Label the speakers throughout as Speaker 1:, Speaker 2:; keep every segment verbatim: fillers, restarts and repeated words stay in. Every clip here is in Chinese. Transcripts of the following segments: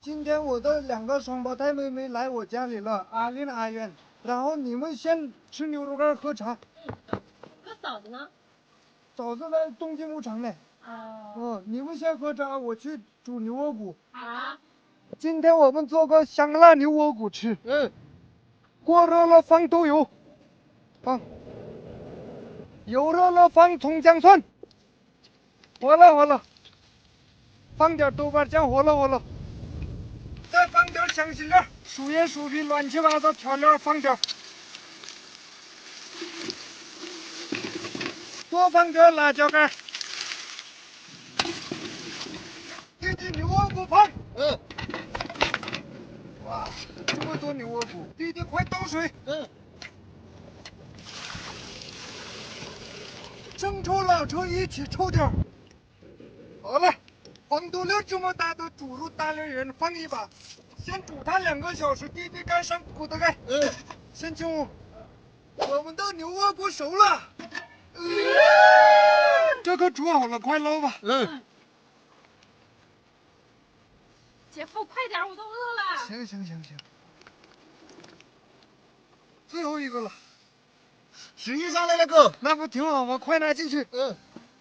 Speaker 1: 今天我的两个双胞胎妹妹来我家里了，阿丽阿渊。然后你们先吃牛肉干喝茶。
Speaker 2: 嗯。那嫂子呢？
Speaker 1: 嫂子在东京牧场呢。
Speaker 2: 哦。
Speaker 1: 嗯，你们先喝茶，我去煮牛窝骨。
Speaker 2: 好。
Speaker 1: 今天我们做个香辣牛窝骨吃。嗯。锅热了放豆油，放。油热了放葱姜蒜。火了火了。放点豆瓣酱，火了火了。再放点香辛料、薯叶、薯皮，乱七八糟调料放点。多放点辣椒干。弟弟牛窝骨放。嗯。哇，这么多牛窝骨，弟弟快倒水。嗯。生抽、老抽一起抽点。好了，黄豆粒这么大的猪肉大连人放一把，先煮它两个小时。弟弟盖上骨头盖。嗯。先请我们的牛窝骨熟了。嗯。这可煮好了，快捞吧。嗯。
Speaker 2: 姐夫，快点，我都饿了。
Speaker 1: 行行行行。最后一个了。
Speaker 3: 食欲上来了，哥。
Speaker 1: 那不挺好吗？快拿进去。
Speaker 3: 嗯。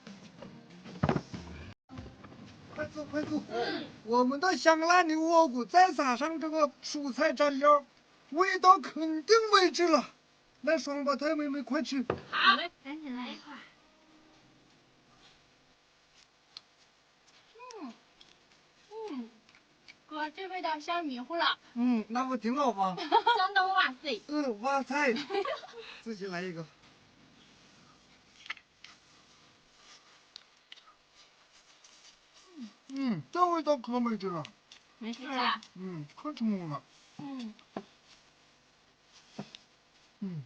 Speaker 1: 快坐快坐。嗯。我们的香辣牛窝骨再撒上这个蔬菜蘸料，味道肯定没治了。来，双胞胎妹妹快吃。
Speaker 2: 好嘞，赶紧来一块。嗯嗯，哥，这味道香迷糊了。
Speaker 1: 嗯，那不挺好吗？
Speaker 2: 香到哇塞。
Speaker 1: 嗯，哇塞。自己来一个。嗯，这味道可没治了。
Speaker 2: 没事啊。
Speaker 1: 嗯，可成功了。
Speaker 2: 嗯。
Speaker 1: 嗯。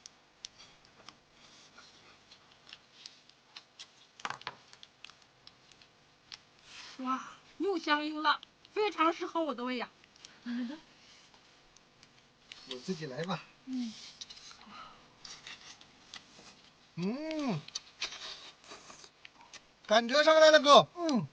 Speaker 2: 哇，又香又辣，非常适合我的胃呀。
Speaker 1: 我自己来吧。
Speaker 2: 嗯。
Speaker 3: 嗯，感觉上来了，哥。
Speaker 1: 嗯。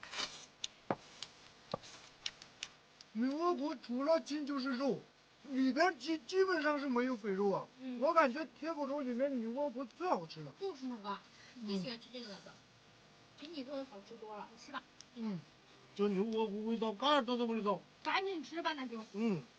Speaker 1: 牛窝骨除了筋就是肉，里边基基本上是没有肥肉啊。嗯。我感觉铁骨肉里面牛窝骨最好吃了。
Speaker 2: 就是那个，你喜欢吃这个的，比你做的好吃多了，你吃吧。
Speaker 3: 嗯，这牛窝骨味道嘎儿都这么味道。
Speaker 2: 赶紧吃吧，那就。
Speaker 3: 嗯。